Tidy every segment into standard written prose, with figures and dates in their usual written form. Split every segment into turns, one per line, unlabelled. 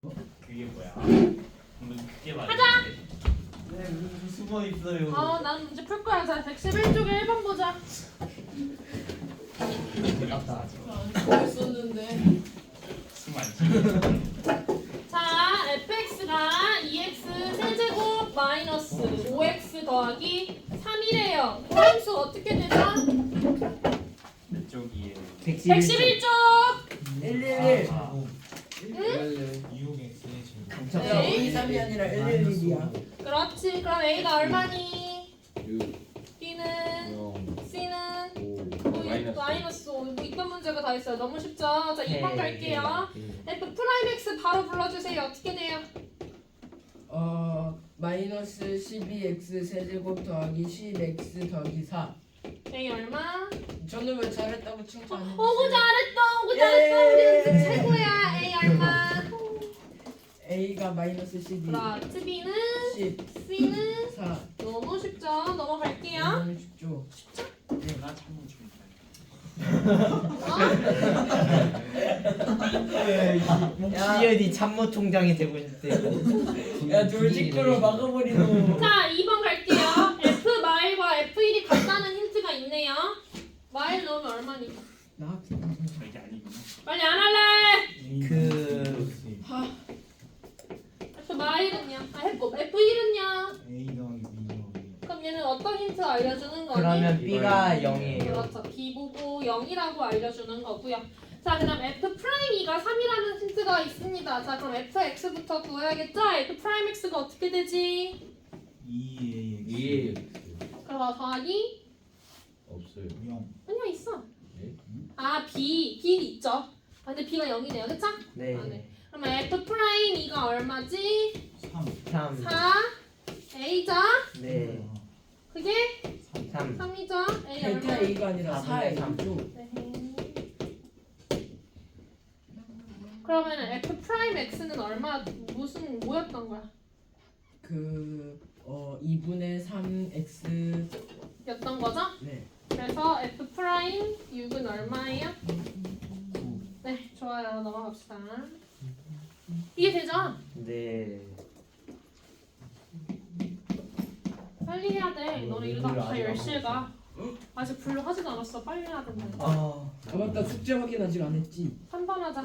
그게 뭐야? 그게 맞아.
네, 무슨 숨어 있어요.
난 문제 풀 거야. 자, 111쪽에 1번 보자.
맞다.
뭘 썼는데?
숨안 쉬게.
자, fx가 2x 세제곱 마이너스 5x 더하기 3이래요. 도함수 어떻게 되죠?
몇 쪽이에요?
111쪽.
111.
이용 X의 제곱.
야, 5, 2, 3이 아니라 111이야.
그렇지. 그럼 a가 얼마니? b는 c는 마이너스 5. 뭐 이런 문제가 다 있어요. 너무 쉽죠? 자, 2번 갈게요. f 프라임 x 바로 불러주세요. 어떻게 돼요?
마이너스 12x 세제곱 더하기 10x 더하기 4.
a 얼마?
저는 왜 잘했다고 칭찬해?
오구 잘했어. 오구 잘했어. 우리 연습 최고야. a 얼마?
A가 마이너스 12.
그렇지. b는
10.
c는
4.
너무 쉽죠? 넘어갈게요.
너무 쉽죠?
나 참고 좀.
목지연이 참모총장이 되고 싶대.
야, 돌직구로 막아버리노.
자, 2번 갈게요. f 마일과 f1이 같다는 힌트가 있네요. 마일 넣으면 얼마니?
나
이게 아니구나.
빨리 안 할래. f 마일은요? f1은요?
A 더하기 B 더하기.
그럼 얘는 어떤 힌트 알려주는 거니?
그러면 B가 0이에요.
그렇죠. b 보고 0이라고 알려주는 거고요. 자, 그다음 f 프라임 2가 3이라는 힌트가 있습니다. 자, 그럼 fx부터 구해야겠죠? f 프라임 x가 어떻게 되지?
2A
그럼 더하기?
없어요.
0.
아니야, 있어.
네?
아, b 있죠. 근데 b가 0이네요. 그쵸?
네.
아, 네. 그러면 f 프라임 2가 얼마지?
3.
4 a죠?
네.
그게
3.
3이죠? a
델타
얼마?
A가 아니라 4A죠.
네. 그러면 f 프라임 x는 얼마 무슨 뭐였던 거야?
2분의 3X.
였던 거죠?
네.
그래서 f 프라임 6은 얼마예요? 네, 좋아요. 넘어갑시다. 이해되죠?
네.
빨리 해야 돼. 너네 이러다 다
아직 안
10시에 가. 아직 분류 하지도 않았어. 빨리 해야 된다.
아, 맞다. 숙제 확인 아직 안 했지.
3번 하자.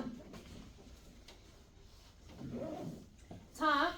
자,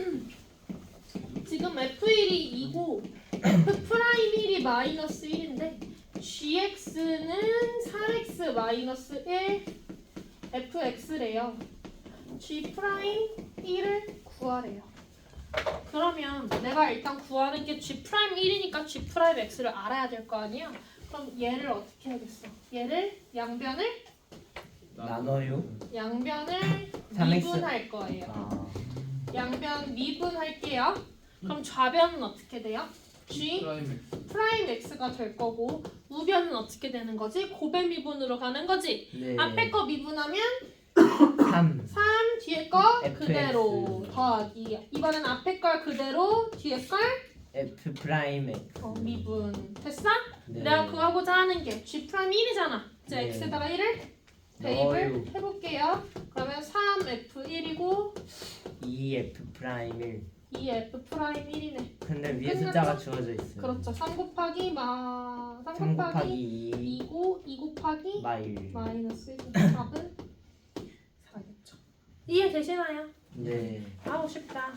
지금 F1이 2고 F 프라임 1이 마이너스 1인데 GX는 4X 마이너스 1 FX래요. G 프라임 1을 구하래요. 그러면 내가 일단 구하는 게 G 프라임 1이니까 G 프라임 X를 알아야 될 거 아니야? 그럼 얘를 어떻게 하겠어? 얘를 양변을
나눠요?
양변을
3X.
미분할 거예요.
아.
양변 미분할게요. 그럼 좌변은 어떻게 돼요? G 프라임 X가 될 거고 우변은 어떻게 되는 거지? 고배 미분으로 가는 거지.
네.
앞에 거 미분하면
3.
3 뒤에 거
FX.
그대로 더하기. 이번엔 앞에 걸 그대로 뒤에 걸
F 프라임 X.
미분. 됐어?
네.
내가 구하고자 하는 게 G 프라임 1이잖아. 이제
네.
X에다가 1을
넣어요.
대입을 해볼게요. 그러면 3F1이고
2F 프라임 1.
2F 프라임 1이네.
근데 위에
끝났죠?
숫자가 주어져 있어요.
그렇죠. 3 곱하기 3
3
곱하기
곱하기 2
2고 2 곱하기
마일.
마이너스 1. 답은 4겠죠. 이해되시나요?
네.
아우 쉽다.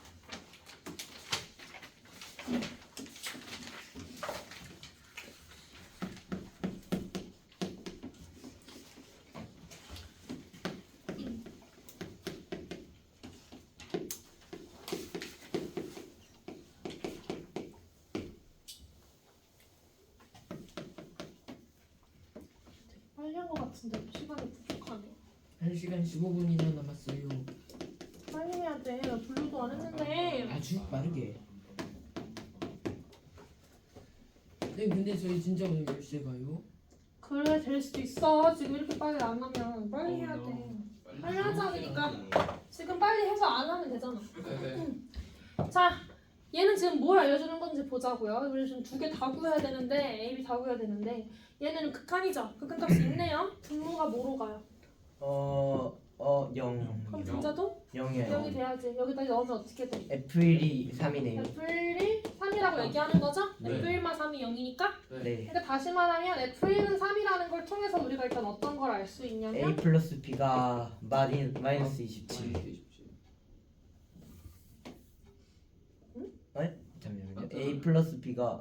빨리 한 것 같은데 시간이 부족하네.
1시간 15분이나 남았어요.
빨리 해야 돼. 나 분류도 안 했는데.
아주 빠르게. 네, 근데 저희 진짜 오늘 10시에 가요?
그래 될 수도 있어. 지금 이렇게 빨리 안 하면 빨리 해야 돼. 빨리 하자 그러니까. 지금 빨리 해서 안 하면 되잖아. 자, 얘는 지금 뭘 알려주는 건지 보자고요. 우리 지금 두 개 다 구해야 되는데 A, B 다 구해야 되는데 얘는 극한이죠. 극한값이 있네요. 분모가 뭐로 가요?
0.
그럼 분자도
0이에요.
0이 돼야지. 여기다 넣으면 어떻게 돼?
F1이 3이네요.
F1이 3이라고 얘기하는 거죠?
네.
F1만 3이 0이니까?
네.
그러니까 다시 말하면 F1은 3이라는 걸 통해서 우리가 일단 어떤 걸 알 수 있냐면
A 플러스 B가 마이너스 27. 잠시만요. A 플러스 B가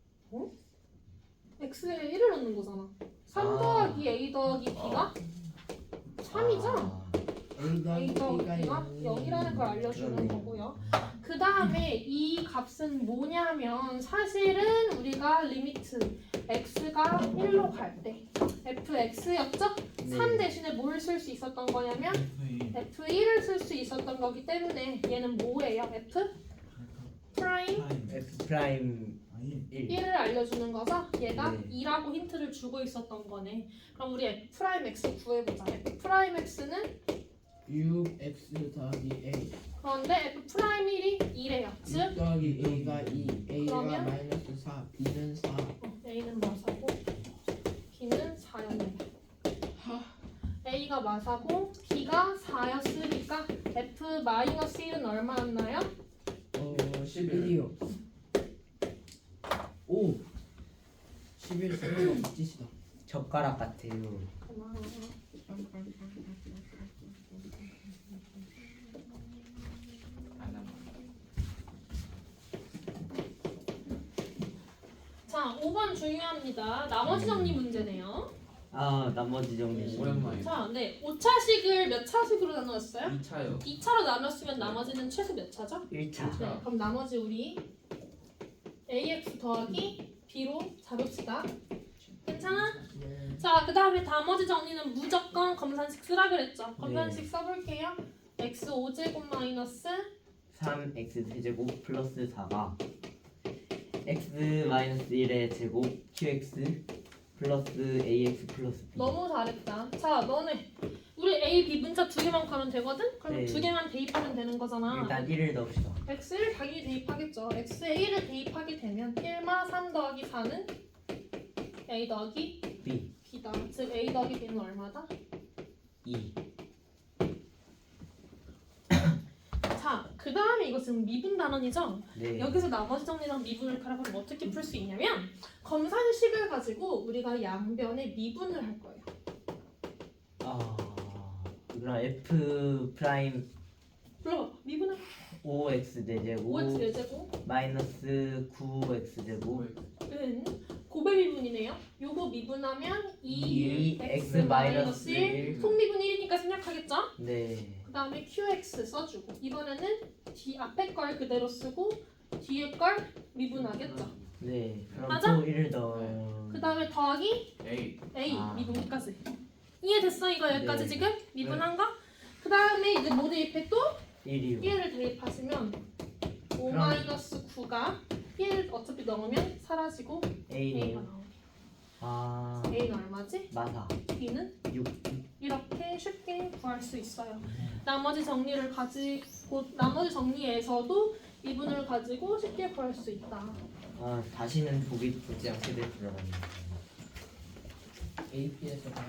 X에 1을 넣는 거잖아. 3
아.
더하기 A 더하기 B가 3이죠? A 더하기
B가
B가 0이라는 걸 알려주는
그러네요.
거고요. 그 다음에 이 값은 뭐냐면 사실은 우리가 리미트 X가 1로 갈 때 fx였죠? 3 대신에 뭘 쓸 수 있었던 거냐면 f1을 쓸 수 있었던 거기 때문에 얘는 뭐예요? f 프라임
F 프라임 1.
1을 알려주는 거죠? 얘가
네.
2라고 힌트를 주고 있었던 거네. 그럼 우리 f 프라임 x 구해보자. f 프라임 x는
6x 더하기 A
그런데 f 프라임 1이 2래요.
6
즉
더하기 A가 2 A가
그러면?
마이너스 4 B는 4
a는 마사고 b는 4였네요. a가 마사고 b가 4였으니까 f 마이너스 1은 얼마였나요?
11이요 오 11 쓰는 거 멋지시다
젓가락 같아요.
고마워. 자, 5번 중요합니다. 나머지 정리 문제네요.
아 나머지 정리.
오랜만에.
자, 네. 5차식을 몇 차식으로 나누었어요?
2차요.
2차로 나눴으면 나머지는 최소 몇 차죠?
1차.
네, 그럼 나머지 우리 ax 더하기 b로 잡읍시다. 괜찮아?
네.
자, 그 다음에 나머지 정리는 무조건 검산식 쓰라 그랬죠? 검산식 써볼게요. x 5제곱 마이너스
3x 세제곱 플러스 4가 x 마이너스 1의 제곱 qx 플러스 ax 플러스 b.
너무 잘했다. 자, 너네 우리 a, b 문자 두 개만 가면 되거든? 그럼
네.
두 개만 대입하면 되는 거잖아.
일단 1을 넣읍시다.
x를 당연히 대입하겠죠. x에 1을 대입하게 되면 1마 3 더하기 4는 a 더하기
b
b다. 즉 a 더하기 b는 얼마다?
2.
자, 그 다음에 이거 지금 미분 단원이죠?
네.
여기서 나머지 정리랑 미분을 가라면 어떻게 풀 수 있냐면 검산식을 가지고 우리가 양변에 미분을 할 거예요.
아 그럼 f 프라임
불러봐. 미분을
5x 4제곱
5x 4제곱
마이너스 9x 제곱
은 고배 미분이네요. 요거 미분하면 2
2 x 마이너스 1.
속미분 1이니까 생략하겠죠?
네.
그 다음에 qx 써주고 이번에는 뒤 앞에 걸 그대로 쓰고 뒤에 걸 미분하겠죠.
네. 그럼
맞아?
또 1을 더.
그 다음에 더하기
A.
a
아.
미분까지. 이해됐어? 이거 여기까지
네.
지금 미분한 거? 그 다음에 이제 뭐 대입해 또?
1이요.
1을 대입하시면 5
그럼-
마이너스 9가 1 어차피 넣으면 사라지고 A가
A네요.
나오게.
아
A는 얼마지?
마사
B는
6.
이렇게 쉽게 구할 수 있어요. 나머지 정리를 가지고 나머지 정리에서도 미분을 가지고 쉽게 구할 수 있다.
아 다시는 보지 않게 될 줄 알았네.
AP에서 봐요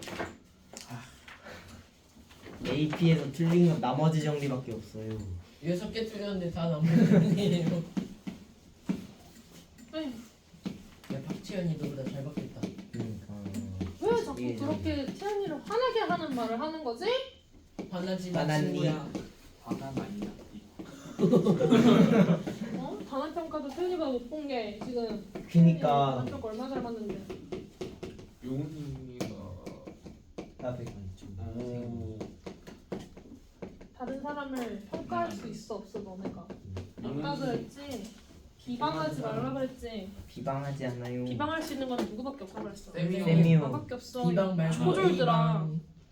AP에서 틀린 건 나머지 정리밖에 없어요.
6개 틀렸는데 다 남편이에요
에휴,
야 박지현이 너보다 잘 받겠다
그러니까
왜 자꾸
예.
그렇게 태연이를 화나게 하는 말을 하는 거지?
화나지 마
화났니?
친구야
화가 많이 났지.
어? 단원평가도 태연이가 못 본 게 지금
그니까
단원평가 얼마 잘 봤는데.
용훈이가.
나 100원 좀.
다른 사람을 평가할 수 있어 없어 너네가. 아까 그랬지. 비방하지 말라 그랬지.
비방하지 않나요?
비방할 수 있는 건 누구밖에 없다 그랬어.
쌤이요.
너밖에 없어.
비방 말고
초졸들아.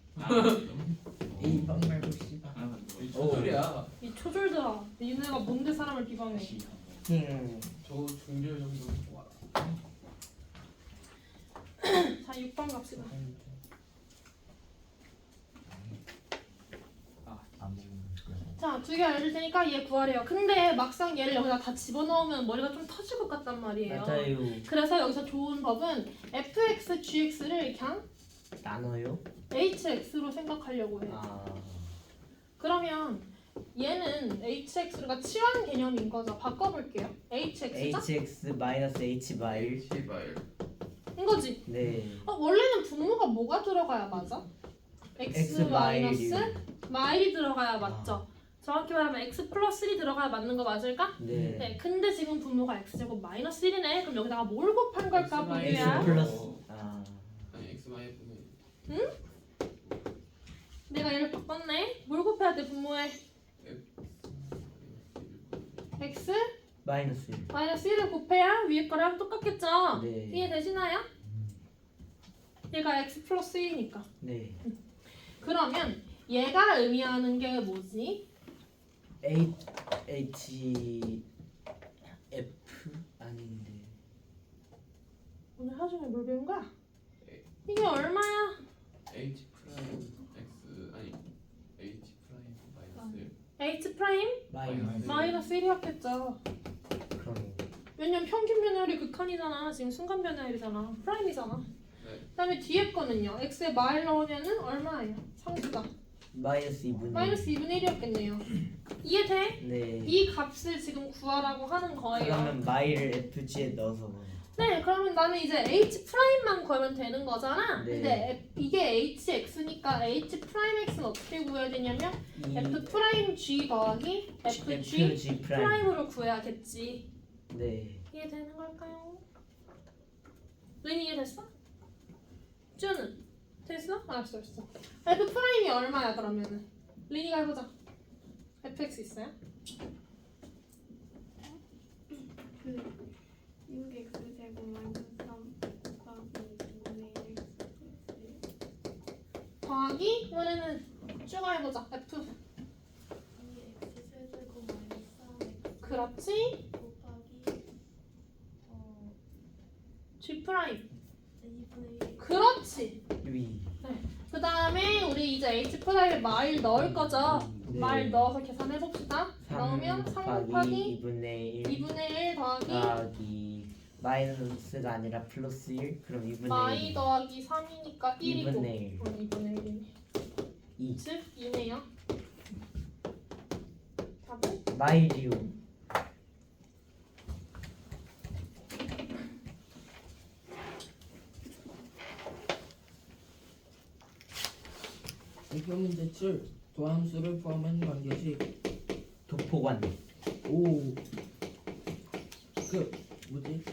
A방 말고 C방
무슨 소리야?
이 초졸들아. 니네가 뭔데 사람을 비방해?
저 중별 정도 좋아.
자 6번 갑시다.
안 먹는 거.
자, 두 개 알려줄 테니까 얘 구하래요. 근데 막상 얘를 여기다 다 집어넣으면 머리가 좀 터질 것 같단 말이에요.
맞아요.
그래서 여기서 좋은 법은 fx, gx를 그냥
나눠요?
hx로 생각하려고 해요.
아
그러면 얘는 hx가 치환 개념인 거죠. 바꿔볼게요. hx죠?
hx 마이너스 h 마일.
시발.
이거지.
네.
원래는 분모가 뭐가 들어가야 맞아? x
x
마이너스
마일이요.
마일이 들어가야 맞죠. 정확히 말하면 x 플러스 1이 들어가야 맞는 거 맞을까?
네.
네. 근데 지금 분모가 x제곱 마이너스 1이네. 그럼 여기다가 뭘 곱한 걸까
x 마일.
보유야?
x 플러스. 아
아니 x 마이 분의
내가 얘를 바꿨네. 뭘 곱해야 돼 분모에? x
마이너스 1.
마이너스 1을 곱해야 위에 거랑 똑같겠죠?
네.
이해되시나요? 얘가 x 플러스 1이니까.
네.
그러면 얘가 의미하는 게 뭐지?
h f 아닌데.
오늘 하중에 뭘 배운 거야? 이게 얼마야?
h 프라임 x 아니 h 프라임 마이너스
h 프라임
마이너스.
마이너스 1이었겠죠.
그럼
왜냐면 평균 변화율이 극한이잖아. 지금 순간 변화율이잖아. 프라임이잖아.
네.
그다음에 뒤에 거는요. x에 마일 넣으면은 얼마예요? 상수가
마이너스 2분의
마이너스 2분의 1이었겠네요. 이해돼?
네.
이 값을 지금 구하라고 하는 거예요.
그러면 마일을 fg에 넣어서.
네, 그러면 나는 이제 h 프라임만 구하면 되는 거잖아.
네.
근데 이게 hx니까 h 프라임 x는 어떻게 구해야 되냐면
이
f 프라임 g 더하기 fg
fg 프라임.
프라임으로 구해야겠지.
네.
이해되는 걸까요? 린이 이해됐어? 쭈는 됐어? 알았어. f 프라임이 얼마야 그러면은? 린이가 해보자. fx 있어요?
6x 제곱 마이너스 3 더하기 2분의 1
더하기 이번에는 쭈가 해보자. f
2x 세제곱 마이너스 3x
그렇지?
곱하기
g 프라임
2분의 1
그렇지.
위.
그 다음에 우리 이제 h 프라임에 마일 넣을 거죠.
네.
마일 넣어서 계산해 봅시다. 넣으면 3 곱하기
2분의 1
2분의 1 더하기
더하기 마이너스가 아니라 플러스 1 그럼 2분의
마이
1
더하기 3이니까 1이고
2분의 1
2분의 1이네.
2
즉 2네요. 답은
마일이요.
대표 문제 7 도함수를 포함한 관계식
도포관.
오 뭐지?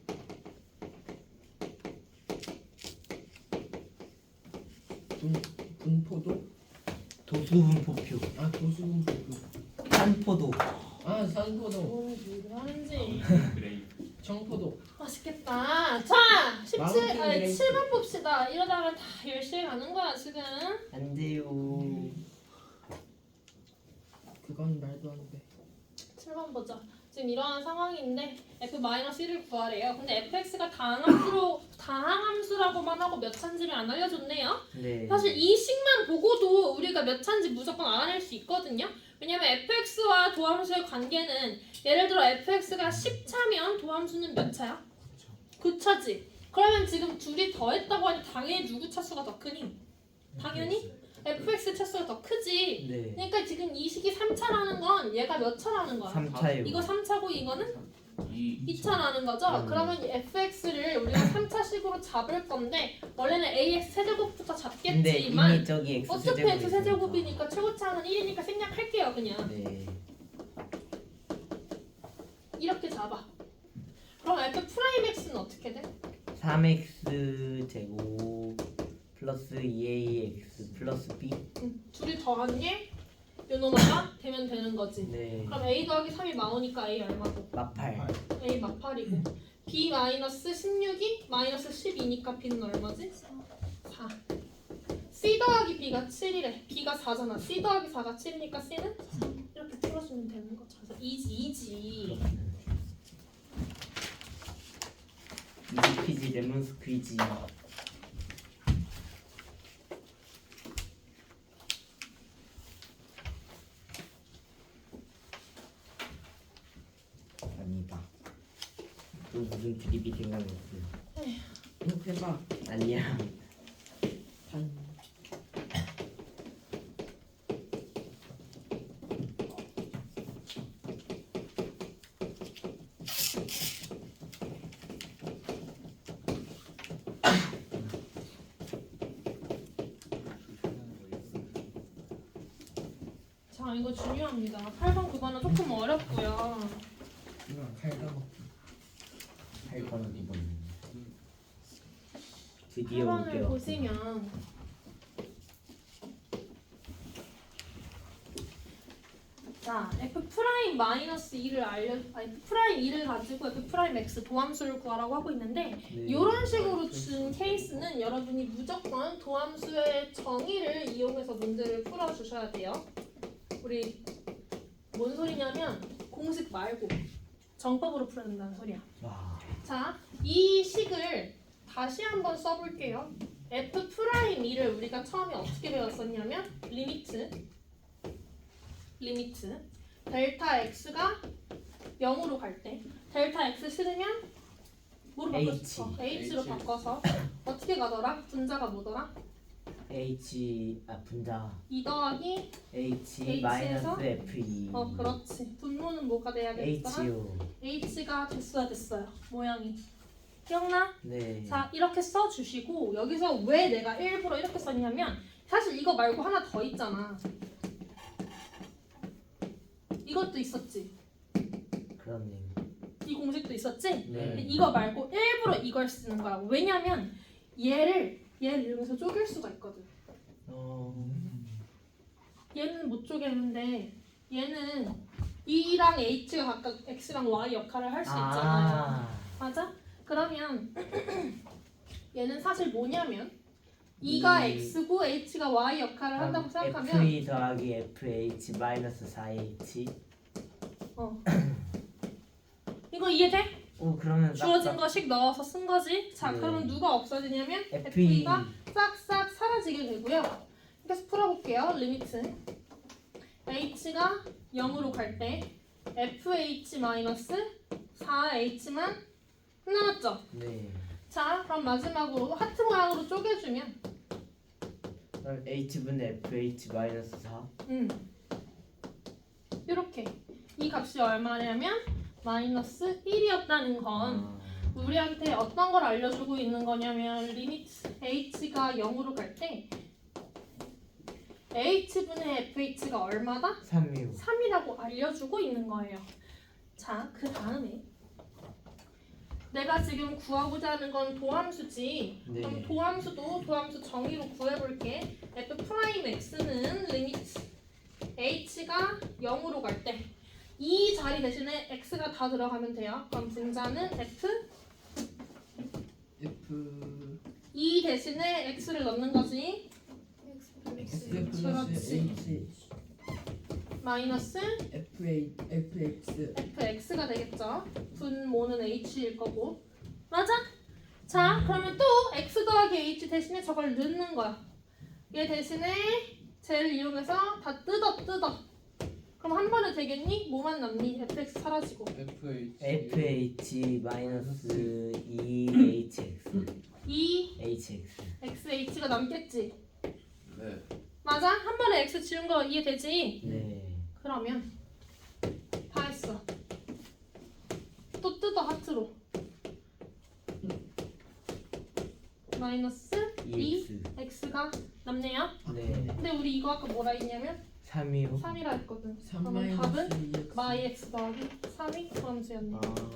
분포도?
도수분포표.
아 도수분포도.
산포도.
아 산포도.
오늘 뭐 하는지
그레이.
청포도.
맛있겠다. 자
마운틴
아니,
그레이프.
7번 봅시다. 이러다가 다 10시에 가는 거야 지금.
안 돼요.
그건 말도 안 돼.
7번 보자. 지금 이러한 상황인데 f-1을 구하래요. 근데 fx가 다항함수라고만 하고 몇 차인지를 안 알려줬네요.
네.
사실 이 식만 보고도 우리가 몇 차인지 무조건 알아낼 수 있거든요. 왜냐면 fx와 도함수의 관계는 예를 들어 fx가 10차면 도함수는 몇 차야? 9차지. 그러면 지금 둘이 더했다고 하니 당연히 누구 차수가 더 크니? 당연히 fx 차수가 더 크지.
네.
그러니까 지금 이 식이 3차라는 건 얘가 몇 차라는 거야?
3차요.
이거 3차고 이거는
2
2차라는 거죠? 그러면 이 fx를 우리가 3차식으로 잡을 건데 원래는 ax 세제곱부터
근데
잡겠지만
이미 저기 x
어차피
세제곱이
x 세제곱이니까 최고차는 1이니까 생략할게요 그냥.
네.
이렇게 잡아. 그럼 f 프라임 x는 어떻게 돼?
3x 제곱 플러스 2ax 플러스 b.
둘이 더한 게 요놈아가 되면 되는 거지.
네.
그럼 a 더하기 3이 마오니까 a 얼마고?
마팔.
a 마팔이고 b 마이너스 16이 마이너스 12니까 b는 얼마지? 4. c 더하기 b가 7이래. b가 4잖아. c 더하기 4가 7이니까 c는 3. 이렇게 풀어주면 되는 거죠. 그래서 이지.
이지 퀴즈 레몬 스퀴즈. 아니다. 또 무슨 드립이 생각났어.
해봐.
아니야.
자, 이거 중요합니다. 8번, 9번은 조금 어렵고요.
이건 칼가먹기. 8번 2번. 드디어
8번을
올게요.
보시면 자, f 프라임 마이너스 2를 f 프라임 2를 가지고 f 프라임 x 도함수를 구하라고 하고 있는데
네.
이런 식으로 준 케이스는 여러분이 무조건 도함수의 정의를 이용해서 문제를 풀어 주셔야 돼요. 우리 뭔 소리냐면 공식 말고 정법으로 풀어야 된다는 소리야.
와.
자, 이 식을 다시 한번 써볼게요. f 프라임 2를 우리가 처음에 어떻게 배웠었냐면 리미트 델타 x가 0으로 갈 때 델타 x 싫으면 뭐로 바꿨어? h로
H.
바꿔서 어떻게 가더라? 분자가 뭐더라?
분자
2 더하기
H
H에서?
마이너스 F2.
그렇지. 분모는 뭐가 돼야겠더라?
HO.
h가 됐어요. 모양이 기억나?
네.
자, 이렇게 써주시고 여기서 왜 내가 일부러 이렇게 썼냐면 사실 이거 말고 하나 더 있잖아. 이것도 있었지.
그렇네.
이 공식도 있었지. 근데
네.
이거 말고 일부러 이걸 쓰는 거야. 왜냐면 얘를 이용해서 쪼갤 수가 있거든. 얘는 못 쪼개는데 얘는 E랑 H가 각각 X랑 Y 역할을 할 수 있잖아요. 맞아? 그러면 얘는 사실 뭐냐면 E가 X고 H가 Y 역할을 한다고 생각하면
F2 더하기 FH 마이너스 4H.
이거 이해돼?
오 그러면
주어진 거식 넣어서 쓴 거지. 자,
네.
그러면 누가 없어지냐면
F2
F2가 싹싹 사라지게 되고요. 계속 풀어볼게요. 리미트 H가 0으로 갈 때 FH 마이너스 4H만 남았죠?
네.
자, 그럼 마지막으로 하트 모양으로 쪼개주면
그럼 H분의 FH 마이너스 4.
이렇게 이 값이 얼마냐면 마이너스 1이었다는 건 우리한테 어떤 걸 알려주고 있는 거냐면 리미트 h가 0으로 갈 때 h분의 fh가 얼마다?
3이요.
3이라고 알려주고 있는 거예요. 자, 그 다음에 내가 지금 구하고자 하는 건 도함수지.
네.
그럼 도함수도 도함수 정의로 구해볼게. f 프라임 x는 리미트 h가 0으로 갈 때 이 자리 대신에 x가 다 들어가면 돼요. 그럼 분자는 f 이 대신에 x를 넣는 거지.
X 플러스
그렇지.
H
마이너스
FX
fx가 되겠죠. 분모는 h일 거고. 맞아? 자, 그러면 또 x 더하기 h 대신에 저걸 넣는 거야. 얘 대신에 쟤를 이용해서 다 뜯어. 그럼 한 번에 되겠니? 뭐만 남니? fx 사라지고.
FH 마이너스 2HX.
2
HX.
xh가 남겠지.
네.
맞아? 한 번에 x 지운 거 이해되지?
네.
그러면 다 했어. 또 뜯어 하트로. 마이너스 2 x가 남네요.
네.
근데 우리 이거 아까 뭐라 했냐면
3이요.
3이라 했거든.
3
그러면 답은
마이너스
마이 x 더하기 3이 도함수였네.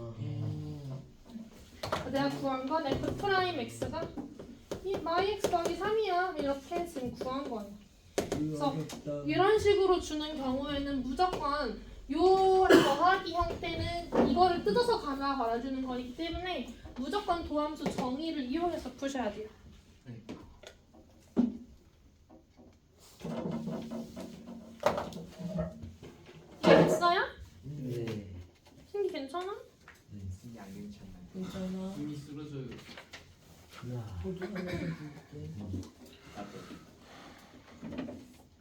아.
내가 구한 건 f 프라임 x가 이 마이 x 더하기 3이야. 이렇게 지금 구한 거예요. 그래서 이런 식으로 주는 경우에는 무조건 요 더하기 형태는 이거를 뜯어서 갈아주는 거기 때문에 무조건 도함수 정의를 이용해서 푸셔야 돼요. 이해됐어요?
네.
신기 괜찮아?
신기 안 괜찮나요?
괜찮아.
이미 쓰러져요.
우와.
호주 하나 더 줄게.
나도.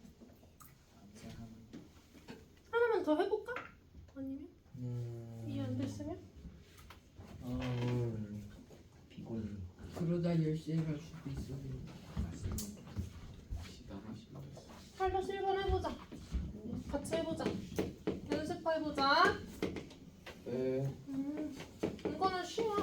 하나만 더 해볼까? 아니면 이해 안 됐으면?
피곤해.
그러다 10시에 갈 수도 있어.
팔로 실번 해보자. 같이 해보자. 연습해보자.
네.
이거는 쉬워.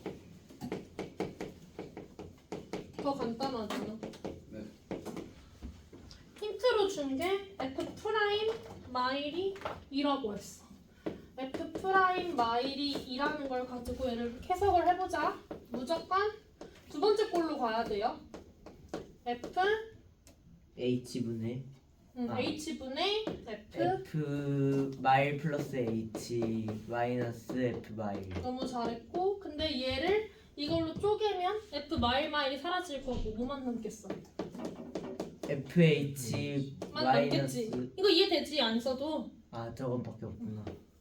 더 간단하잖아.
네.
힌트로 준 게 f 프라임 마일이 2라고 했어. F 프라임 마일이 2라는 걸 가지고 얘를 해석을 해보자. 무조건 두 번째 꼴로 가야 돼요. F
H분의 아.
H분의 F
F 마일 플러스 H 마이너스 F 마일.
너무 잘했고, 근데 얘를 이걸로 쪼개면 F 마일이 사라질 거고 뭐만 남겠어?
FH
만
마이너스.
남겠지. 이거 이해되지? 안 써도.
아 저건밖에 없구나.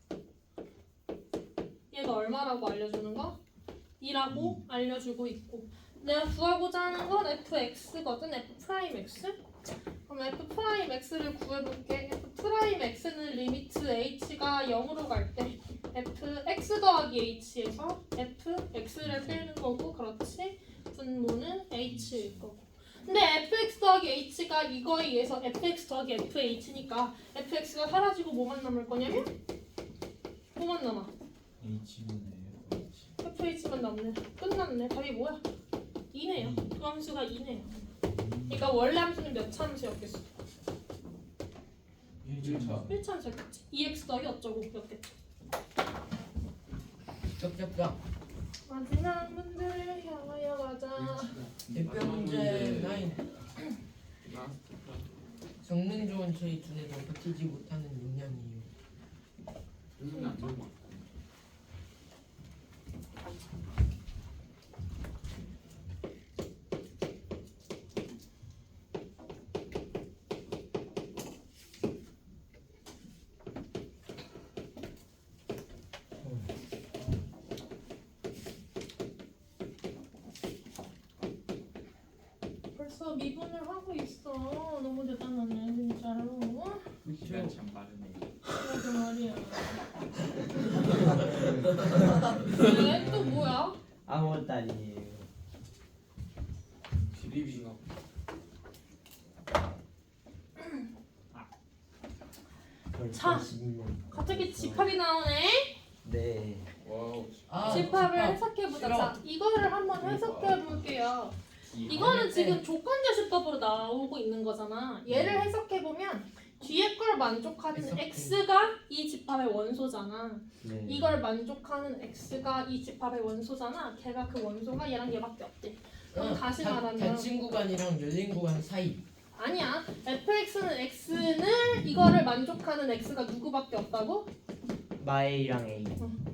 얘가 얼마라고 알려주는 거? 2라고 알려주고 있고, 내가 구하고자 하는 건 fx거든. f'x. 그럼 f'x를 구해볼게. f'x는 리미트 h가 0으로 갈 때 fx 더하기 h에서 fx를 빼는 거고, 그렇지? 분모는 h일 거고. 근데 fx 더하기 h가 이거에 의해서 fx 더하기 fh니까 fx가 사라지고 뭐만 남을 거냐면 뭐만 남아?
H분의 H.
fh만 남네. 끝났네. 답이 뭐야? 2네요. 그 함수가 2네요. 그러니까 원래 함수는 몇 차 함수였겠어?
1차
1차 함수였겠지. 2x 더하기 어쩌고 였겠지.
쩍쩍쩍.
마지막 문제를 향하여 가자.
대표 문제 9. 성능 좋은 저희 두뇌도 버티지 못하는 용량이에요.
선생님 안 좋은 거
벌써 미분을 하고 있어. 너무 대단하네 진짜로.
시간 참 빠르네.
그러게 말이야. 왜? 또 뭐야?
아무것도 아니에요.
드립인가
자,
12년.
갑자기 집합이 나오네.
네.
와우
집합을 해석해보자. 자, 이거를 한번 해석해볼게요. 이거는 지금 조건제시법으로 나오고 있는 거잖아. 얘를 해석해보면 뒤에 걸 만족하는
해석해.
x가 이 집합의 원소잖아.
네.
이걸 만족하는 x가 이 집합의 원소잖아. 걔가 그 원소가 얘랑 얘밖에 없대. 그럼 다시 말하면
닫힌 구간이랑 열린 구간 사이.
아니야. fx는 x는 이거를 만족하는 x가 누구밖에 없다고?
마일이랑 A.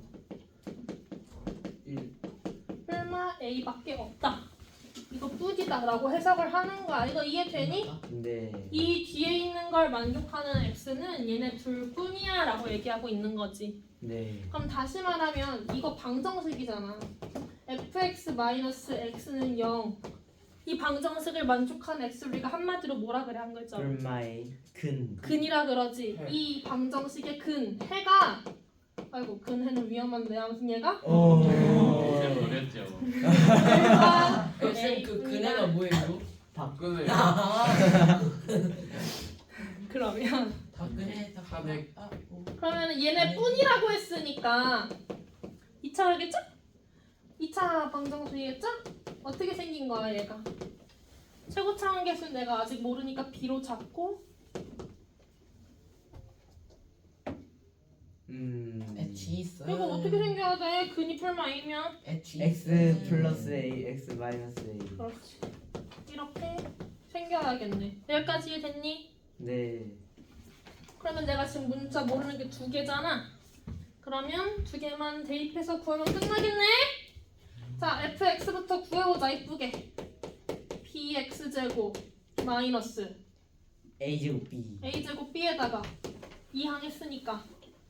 1
설마 a밖에 없다. 이거 뿌디다라고 해석을 하는 거야. 이거 이해되니?
네.
이 뒤에 있는 걸 만족하는 x는 얘네 둘뿐이야 라고 얘기하고 있는 거지.
네.
그럼 다시 말하면 이거 방정식이잖아. fx-x는 0. 이 방정식을 만족하는 x 우리가 한마디로 뭐라 그래 한 글자로?
불마의 근.
근이라 그러지.
해.
이 방정식의 근, 해가 아이고 근해는 위험한데 아무튼 얘가
쌤 버렸죠.
해가
쌤 그 그네가 뭐예요?
박근혜
그러면
박근혜
탄핵.
그러면 얘네 뿐이라고 했으니까 2차겠죠? 2차 방정식이겠죠? 어떻게 생긴 거야 얘가? 최고차 한계수는 내가 아직 모르니까 B로 잡고
H 있어.
이거 어떻게 생겨야 돼? 근이 풀마 A면
H
X 플러스 A, X 마이너스 A.
그렇지 이렇게 생겨야겠네. 여기까지 이해됐니?
네.
그러면 내가 지금 문자 모르는 게 2개잖아. 그러면 2개만 대입해서 구하면 끝나겠네? 자, fx부터 구해보자, 이쁘게. bx제곱 마이너스
A 제곱 B.
a제곱 b에다가 2항 했으니까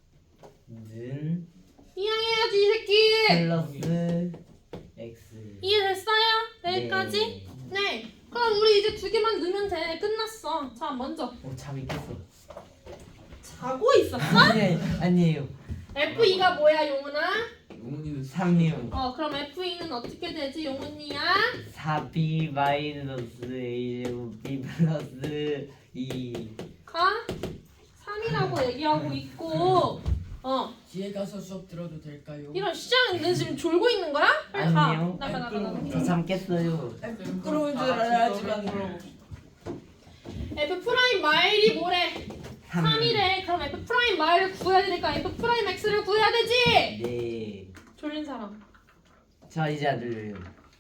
는
2항 해야지, 이 새끼!
플러스 X.
이해됐어요? 여기까지? 네. 그럼 우리 이제 2개만 넣으면 돼. 끝났어. 자, 먼저
잠이 깼어.
자고 있었어?
아니에요.
f2가 뭐야, 용훈아?
용훈이는
3이요.
그럼 f2는 어떻게 되지, 용훈이야?
4B 마이너스 A 제곱 B 플러스 2.
가 3이라고 얘기하고 있고
뒤에 가서 수업 들어도 될까요?
이런 시장은 너 지금 졸고 있는 거야? 빨리
아니요.
가. 나가.
저 잠 깼어요.
부끄러운 줄 알아야지만
F 프라임 마일이 뭐래? 3이래. 그럼 f 프라임 y를 구해야 되니까 f 프라임 x를 구해야 되지.
네.
졸린 사람.
저 이제 안 들려요.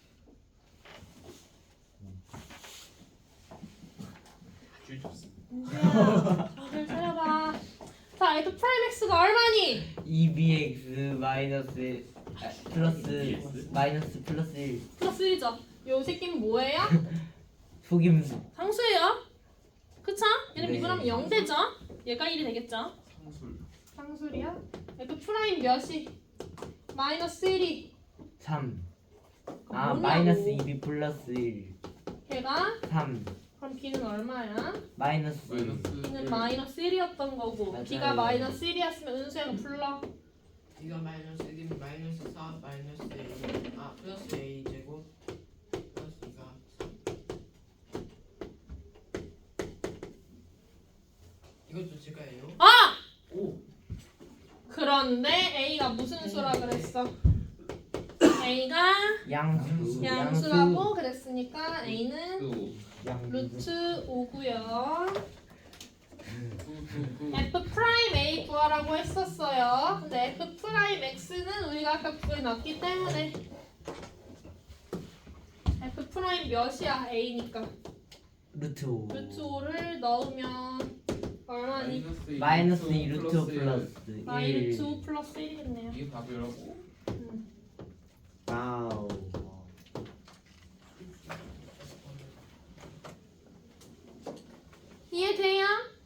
줄 줬습니다.
민지야, 정신 차려봐. 자, f 프라임 x가 얼마니?
2bx 마이너스 플러스 마이너스 플러스 1
플러스 1이죠. 요 새끼는 뭐예요?
속임수.
상수예요. 그쵸? 얘는
네.
미분하면 0되죠? 얘가 1이 되겠죠?
상술.
상술이야? f 프라임 몇이? 마이너스 1이
3.
그럼
아
뭐냐고.
마이너스 2b 플러스 1
걔가
3
그럼 b는 얼마야?
마이너스
b는 마이너스 1이었던 거고
맞아요.
b가 마이너스 1이었으면 은수야가 불러.
이거 마이너스 1이면 마이너스 4 마이너스 A 플러스 A 제곱 플러스 2가 3 이것도 제가예요?
아!
오.
그런데 a가 무슨 수라 그랬어? a가
양수
양수라고 그랬으니까 a는
또.
루트 5고요.
또.
f 프라임 a 구하라고 했었어요. 근데 f 프라임 x는 우리가 아까 구해놨기 때문에 f 프라임 몇이야? a니까
루트 5
루트 5를 넣으면 얼마니?
마이너스 2 루트 5 플러스
마이너스
1
5 플러스 1이겠네요.
이게 답이라고?
와우.
이해돼요?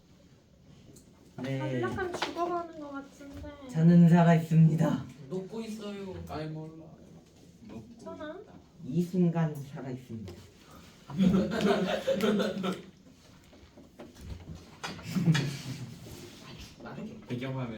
네
약간 죽어가는 것 같은데.
저는 살아있습니다.
녹고 있어요.
아이 몰라.
괜찮아?
이 순간 살아있습니다.